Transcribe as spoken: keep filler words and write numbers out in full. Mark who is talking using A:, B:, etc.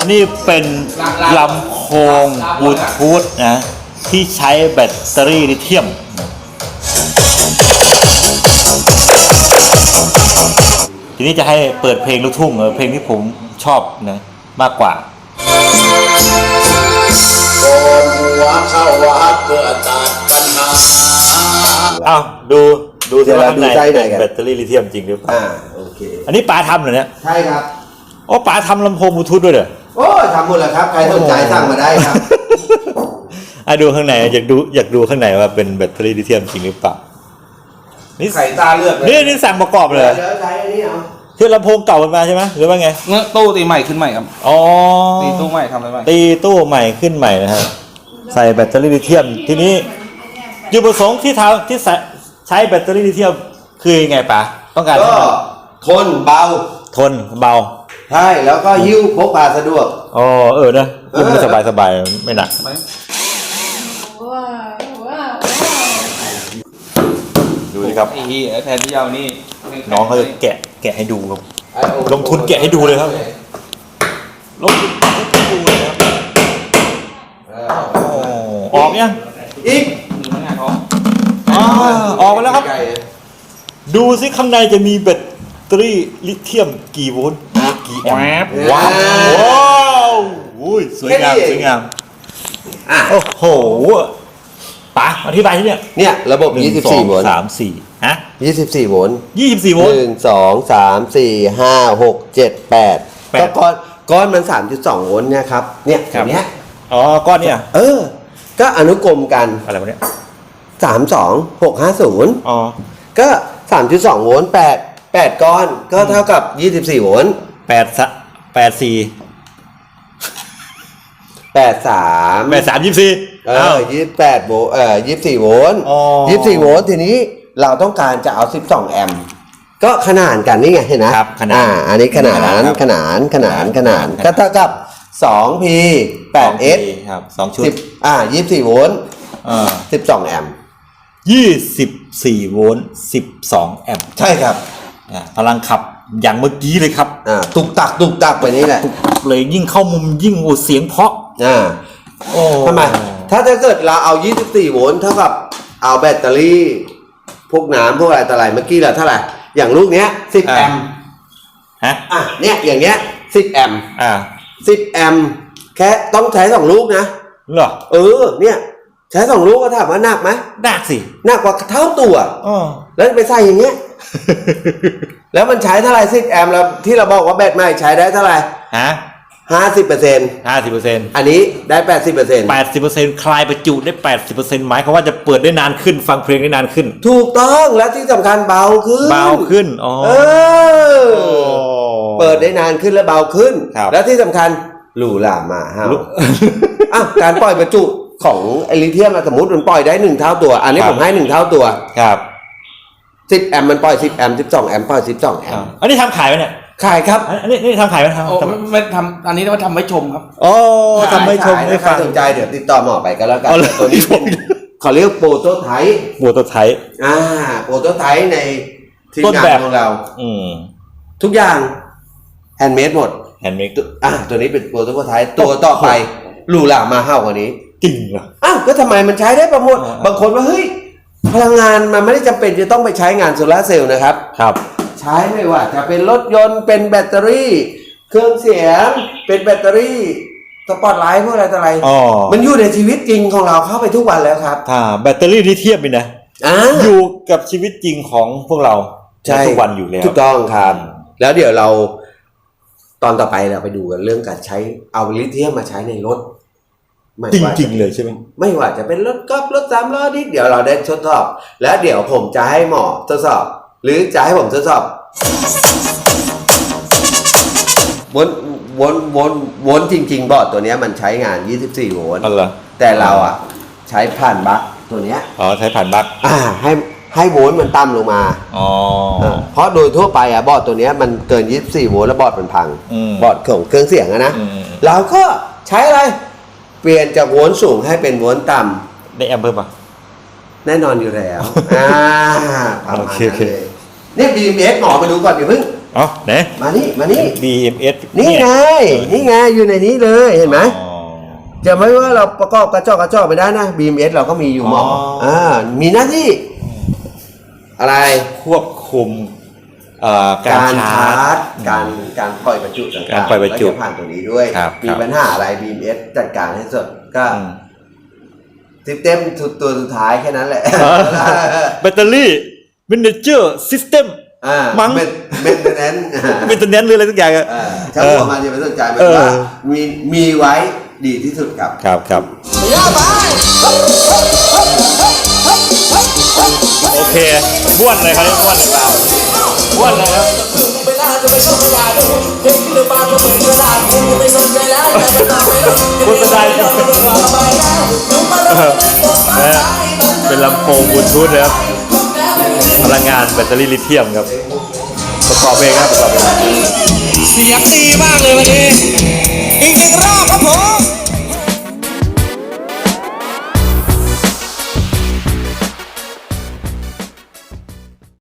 A: นี่เป็นลำโพงบลูทูธนะที่ใช้แบตเตอรี่ลิเธียมทีนี้จะให้เปิดเพลงลูกทุ่งเออเพลงที่ผมชอบนะมากกว่า
B: โกนหัวเข้าวัดเพื่อตัดปัญหา
A: อ้าวดูดูที่ว่าข้างในเป็นแบตเตอรี่ลิเธียมจริงหรือเปล่า
B: อ่าโอเค
A: อันนี้ป๋าทำเหรอเนี่ย
B: ใช่ครับ
A: โอ้ป๋าทำลำโพงบลูทูธด้วยเหรอ
B: โอ้ทำหมดแล้วครับใครสนใจสั่งมาได้ครับ
A: อ่ะดูข้างในอยากดูอยากดูข้างในว่าเป็นแบตเตอรี่ลิเธียมจริงหรือเปล่า
B: นี่ใส่ตาเลือกเลย
A: นี่นี่สั่งประกอบเลย
B: เดี๋ยวใช้อันนี้เอา
A: คือลำโพงเก่ามันมาใช่ไหมหรือว่าไง
C: เนื้อตู้ตีใหม่ขึ้นใหม่ครับ
A: อ๋อ
C: ตีตู้ใหม่ทำอะไรใหม่
A: ตีตู้ใหม่ขึ้นใหม่นะฮะใส่แบตเตอรี่ลิเธียมทีนี้จุดประสงค์ที่ทำที่ใช้แบตเตอรี่ลิเธียมคือยังไงป๋าต้องการ
B: ก็ทนเบา
A: ทนเบา
B: ใช่แล้วก็หิ้วพกพาสะดวก
A: อ๋อเออนะคุณสบายสบายไม่หนักดูสิครับ
C: แทนที่ยาวนี่
A: น้องเขาจะแกะแกะให้ดูครับลงทุนแกะให้ดูเลยครับลงทุนให้ดูเลยครับออกยัง
B: อีก
A: อ๋อออกมาแล้วครับดูสิข้างในจะมีแบตเตอรี่ลิเธียมกี่โวลต์กี่แอมป์ว้าวว้าวอุ้ยสวยงามสวยงามโอ้โหป๋าอธิบายที่เนี่ย
B: เนี่ยระบบยี่สิบสี่โวลต์
A: สามสี่ฮะ
B: ยี่สิบสี่โวลต์
A: ยี่สิบสี่โวลต์
B: หนึ่งสองสามสี่ห้าหกเจ็ดแปดก็ก้อนก้อนมันสามจุดสองโวลต์เนี่ยครับเนี่ยแบบเนี้ย
A: อ๋อก้อนเนี่ย
B: เออก็อนุกรมกัน
A: อะไรวะเนี่ย
B: สามสองหกห้าศูนย์
A: อ๋อ
B: ก็สามจุดสองโวลต์แปดแปดก้อนก็เท่ากับยี่สิบสี่โวลต์
A: แปดสะแปดสี่
B: แปดสาม
A: แปดสามยี่สิบสี่
B: เออยี่สิบแปดโวลต์เอ่อยี่สิบสี่โวลต์ยี่สิบสี่โวลต์ทีนี้เราต้องการจะเอาสิบสองแอมป์ก็ขนานกันนี่ไงเห็นนะครับ
A: ขนาน
B: อ่าอันนี้ขนานขนานขนานขนานก็เท่ากับสองพี แปดเอส
A: ครับสองชุด
B: อ่ายี่สิบสี่โวลต์
A: อ่า
B: สิบสองแอมป์
A: ยี่สิบสี่โวลต์สิบสองแอมป์
B: ใช่ครับ
A: อ่าพลังขับอย่างเมื่อกี้เลยครับ
B: อ่าตุกตักตุกตักไปนี่แหละ
A: เลยยิ่งเข้ามุมยิ่งโอเสียงเพาะ
B: อ่าโอ้ทำไมถ้าถ้าเกิดเราเอายี่สิบสี่โวลต์เท่ากับเอาแบตเตอรี่พวกน้ำพวกอะไรต่ออะไรเมื่อกี้ละเท่าไหร่อย่างลูกเนี้ยสิบแอมป์
A: ฮะ
B: อ่ะเนี่ยอย่างเนี้ยสิบแอมป์
A: อ่า
B: สิบแอมป์แค่ต้องใช้สองลูกนะ
A: เหรอ
B: เออเนี่ยใช้สองลูกก็ถามว่าหนักไหม
A: หนักสิ
B: หนักกว่าเท่าตัว
A: อ๋อ
B: แล้วไปใส่อย่างเงี้ย แล้วมันใช้เท่าไหร่สิบแอมป์แล้วที่เราบอกว่าแบตใหม่ใช้ได้เท่าไหร่
A: ฮะ
B: ห้าสิบเปอร์เซ็นต์
A: ห้าสิบเปอร์เซ็นต์
B: อันนี้ได้แปดสิบเปอร์เซ็นต์
A: แปดสิบเปอร์เซ็นต์คลายประจุได้แปดสิบเปอร์เซ็นต์หมายความว่าจะเปิดได้นานขึ้นฟังเพลงได้นานขึ้น
B: ถูกต้องและที่สำคัญเบาขึ้น
A: เบาขึ้นอ๋อ
B: เออเปิดได้นานขึ้นและเบาขึ้นและที่สำคัญหรูหรามาฮะอ้าวการปล่อยประจุของไอลิเธียมสมมติมันปล่อยได้หนึ่งเท่าตัวอันนี้ผมให้หนึ่งเท่าตัว
A: ครับ
B: สิบแอมป์มันปล่อยสิบแอมป์สิบสองแอมป์ปล่อยสิบสองแอมป์
A: อันนี้ทำขายไหมเนี่ย
B: ขายครับ
A: อันนี้นี่ทำขายไหมท
C: ำไม่ทำอันนี้ว่าทำไว้ชมครับ
A: โอ้ทำไว้ชม
B: ไม่ใครสนใจเดี๋ยวติดต่อหมอไปก็แล้วกันตัวนี้เขาเรียกโปรโตไทป์
A: โปรโตไทป์
B: อ่าโปรโตไทป์ในทีมงานของเรา
A: อืม
B: ทุกอย่างแฮนด์เมดหมด
A: แฮนด์เมด
B: อ่าตัวนี้เป็นโปรโตไทป์ตัวต่อไปหรูหรามาเฮ้ากว่านี้
A: จริงเหรอ
B: อ้าวก็ทำไมมันใช้ได้ประมวลบางคนว่าเฮ้ยพลังงานมันไม่ได้จำเป็นจะต้องไปใช้งานโซลาร์เซลล์นะครับ
A: ครับ
B: ใช้ไม่ว่าจะเป็นรถยนต์เป็นแบตเตอรี่เครื่องเสียงเป็นแบตเตอรี่สปอตไลท์พวกอะไรต่ออะไรมันอยู่ในชีวิตจริงของเราเข้าไปทุกวันแล้วครับ
A: ถ้าแบตเตอรี่ลิเธียมนี่นะอยู่กับชีวิตจริงของพวกเราทุกวันอยู่แล้ว
B: ถูกต้องครับแล้วเดี๋ยวเราตอนต่อไปเราไปดูกันเรื่องการใช้เอาลิเธียมมาใช้ในรถ
A: จริงๆเลยใช่ไหม
B: ไม่ว่าจะเป็นรถกอล์ฟรถสามล้อนี่เดี๋ยวเราได้ทดสอบแล้วเดี๋ยวผมจะให้หมอทดสอบหรือจะให้ผมทดสอบวนวนวนวนจริงๆบอร์ดตัวนี้มันใช้งานยี่สิบสี่โวลต์แต่เราอ่ะใช้ผ่านบัคตัวเนี้ย
A: อ๋อใช้ผ่านบัค
B: อ่าให้ให้โวลต์มันต่ำลงมา
A: อ๋อ
B: เพราะโดยทั่วไปอ่ะบอร์ดตัวเนี้ยมันเกินยี่สิบสี่โวลต์แล้วบอร์ดมันพังบอร์ดของเครื่องเสียงอะนะเราก็ใช้อะไรเปลี่ยนจากโวลต์สูงให้เป็นโวลต์ต่
A: ำได้แอมเพิ่มป่ะ
B: แน่นอนอยู่แล้วอ่า
A: โอเคโอเค
B: นี่ บี เอ็ม เอส หมอมาดูก่อนอย่าเพิ่ง
A: เอ๋อไหน
B: มานี่มานี่
A: บี เอ็ม เอส
B: นี่ไงนี่ไงอยู่ในนี้เลยเห็นไหม
A: อ๋อ
B: จะไม่ว่าเราประกอบกระจอกกระจอกไม่ได้นะ บี เอ็ม เอส เราก็มีอยู่หมอ
A: อ๋ออ่
B: อ่ามีหน้าที่อะไร
A: ควบคุมเอ่อการ
B: การ
A: ชา
B: ชา
A: ร์
B: ร์
A: จ
B: จการการปล่อยบรรจุต่างๆ
A: การปล่อยบรรจุ
B: ก็จะผ่านตัวนี้ด้วย
A: ครับ
B: มี
A: ครับ
B: ปัญหาอะไร บี เอ็ม เอส จัดการให้สุดก็
A: อืม
B: ซิสเต็มตัวสุดท้ายแค่นั้นแหละ
A: แบตเตอรี่เมนเจอร์ซิสเต็ม
B: อ่า
A: มั้ง
B: เมนเมนเทนแนน
A: เมนเทนแนนหรืออะไรสักอย่างอะ
B: ช่างหัวมาจะไม่สนใจมัน
A: เออ
B: ว่ามีมีไว้ดีที่สุดครับ
A: ครับครับโอเคบ้วนเลยครับบ้วนเลยเปล่าบ้วนเลยครับโฆษณาเนี่ยเป็นลำโพงบลูทูธนะครับพลังงานแบตเตอรี่ลิเธียมครับประกอบเองครับประกอบเอง
D: เสียงดีมากเลยวันนี้ อีกหนึ่งรอบครับผม